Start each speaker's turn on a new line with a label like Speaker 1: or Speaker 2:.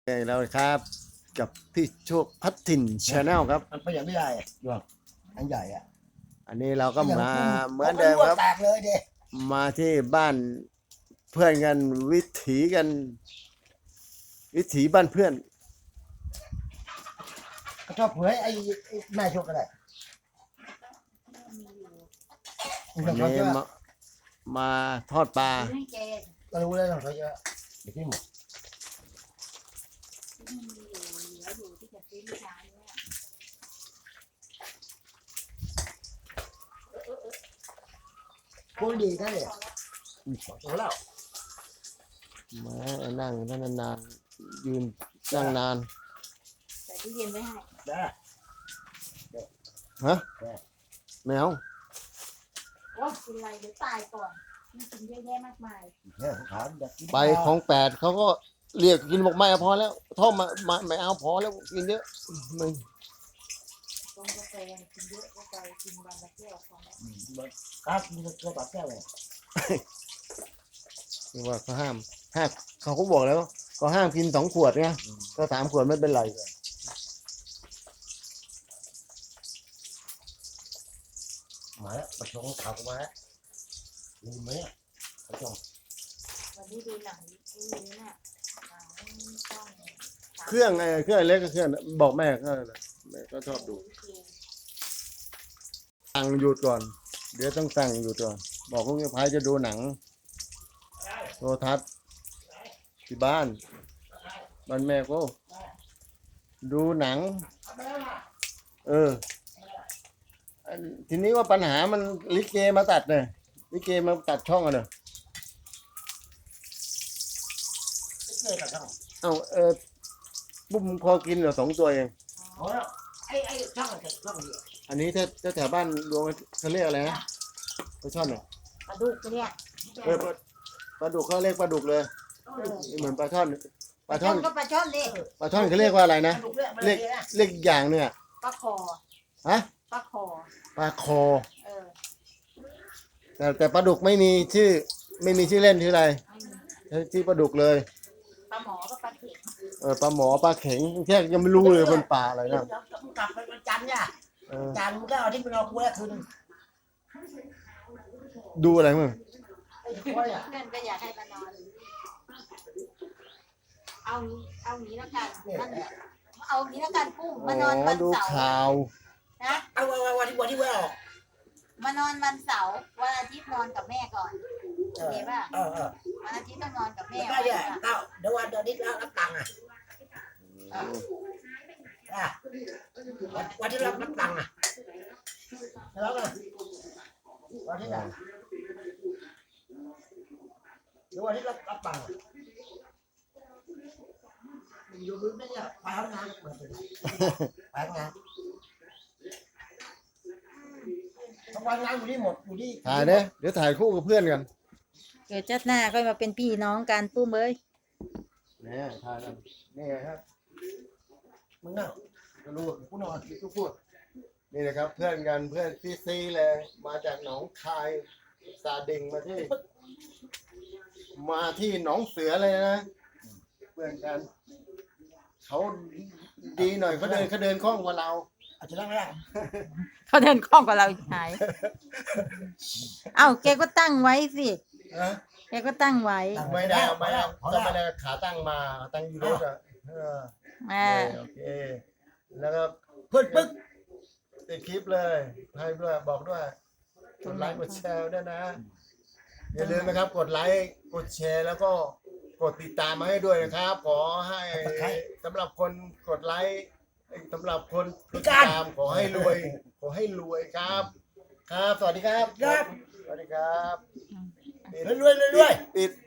Speaker 1: แล้วครับกับพี่โชคพัฒถิ่นชาแนลครับ
Speaker 2: มันอย่างไม่ได้หรอกอันใหญ่อ่ะ
Speaker 1: อันนี้เราก็มาเหมือนเดิมครับ
Speaker 2: แตกเลยเด็
Speaker 1: มาที่บ้านเพื่อนกันวิถีกันวิถีบ้านเพื่อน
Speaker 2: ก็ชอบเผยไอ้แม่โชคก็ได้
Speaker 1: วันนี้มาทอดปลา
Speaker 2: ก็รู้แล้วเขาเยอะเดี๋ยวที่หมดพูดดีได้เลยโอ้แล้ว
Speaker 1: มานั่งนานๆยืนนั่งนาน
Speaker 3: ใส่ตู้เย็นไว้ให้
Speaker 2: ได้
Speaker 1: ฮะแมว
Speaker 3: ว่ากินอะไรเดี๋ยวตายก่อนมันกินเยอะแยะมากมาย
Speaker 1: ไปของแปดเขาก็เรียกกินบอกไม่เอาพอแล้วท่อมาไม่เอาพอแล้วกินเยอะมึง
Speaker 3: ตรงกาแฟกินเยอะก็ไปกินวันละแก้วพอแล้ว
Speaker 2: ครับกินตัวตัดแก้วเลย
Speaker 1: คือว่าเขาห้ามเขาก็บอกแล้วก็ห้ามกิน2 ขวดไงก็3 ขวดไม่เป็นไร
Speaker 2: มาแล้วประชงข่าวมาแล้วลืมไหมประชง
Speaker 3: วันนี้ดูหนังนี่น่ะหนังช่อง
Speaker 1: เครื่องเล็กก็เครื่องบอกแม่ก็ชอบดูสั่งหยุดก่อนเดี๋ยวต้องสั่งหยุดก่อนบอกลูกพายจะดูหนังโทรทัศน์ที่บ้านแม่ก็ดูหนังทีนี้ว่าปัญหามันลิเกมาตัดเนี่ยลิเกมาตัดช่องอ่ะเนอะบุ้มพอกินเหรอ2 ตัวเอง
Speaker 2: ไอ้ช่องนี้
Speaker 1: อันนี้ถ้าแถวบ้านดวงเขาเรียกอะไรนะปลาช่อนเหรอ
Speaker 3: ปลาดุกเนี่ย
Speaker 1: ปลาดุกเขาเรียกปลาดุกเลยเหมือนปลาช่อน
Speaker 3: ก็ปลาช่อนดิ
Speaker 1: ปลาช่อนเขาเรียกว่าอะไรนะเรียกอีกอย่างเนี่ย
Speaker 3: ปลาคอ
Speaker 1: ฮะ
Speaker 3: ปลาคอ
Speaker 1: แต่ปลาดุกไม่มีชื่อเล่นชื่ออะไรชื่อปลาดุกเลย
Speaker 3: ปลาหมอก็ปลาเข็ง
Speaker 1: ปลาหมอปลาเข็งแค่ยังไม่รู้เลยเป็นปลาอะไรนะ
Speaker 2: กลับไปวันจันทร์เนี่ยจันทร์ก็เอาที่ไปนอนกูแล้วคืน
Speaker 1: ดูอะไรมึง
Speaker 3: เพื่อนก็อยากให้มานอนเอางี้แล้วกันเอางี้แล้วกันปุ้มมานอนวันเสาร์
Speaker 1: ดูข่าว
Speaker 3: นะ
Speaker 2: เอาวันที่ว่าออก
Speaker 3: มานอนวันเสาร์วันอาทิตย์นอนกับแม่ก่อนโอเคป่ะวันอาทิตย์ต้องนอนกับแม่
Speaker 2: ก็เนี่ยเดี๋ยววันนี้รับตังค์วันที่รับตังค์แล้วไงวันที่ไหนเดี๋ยววันที่รับตังค์อยู่พื้นไม่เนี่ยไปทำงานไปทำงานทำงานอยู่ที่หมดอยู่ที่
Speaker 1: ถ่ายเนี่ยเดี๋ยวถ่ายคู่กับเพื่อนกัน
Speaker 3: เกิดจัดหน้าก็มาเป็นพี่น้องกันปุ้มเอ้ย
Speaker 1: เนี่ยถ่ายกันนี่ครับ
Speaker 2: มึงน่ะ
Speaker 1: ก็รู้กูนอนกูพูดนี่นะครับเพื่อนกันเพื่อนซีเลยมาจากหนองคายซาดิงมาที่หนองเสือเลยนะเพื่อนกันเขาดีหน่อยเขาเดินคล่องกว่าเรา
Speaker 2: อาจจะนั่งไม่ได้
Speaker 3: เขาเดินคล่องกว่าเราหายเอ้าแกก็ตั้งไว้สิแกก็ตั้งไว้
Speaker 1: ไม่ได้ก็ไม่ได้ขาตั้งมาตั้งอยู่รถอ่ะโอเคแล้วก็
Speaker 2: ปึ๊ก
Speaker 1: ติดคลิปเลยให้ด้วยบอกด้วยกดไลค์กดแชร์ด้วยนะอย่าลืมนะครับกดไลค์กดแชร์แล้วก็กดติดตามมาให้ด้วยนะครับขอให้สำหรับคนกดไลค์สำหรับคนติดตามขอให้รวยครับสวัสดีครับ
Speaker 2: ส
Speaker 1: วัสดีครับ
Speaker 2: รวย
Speaker 1: ปิด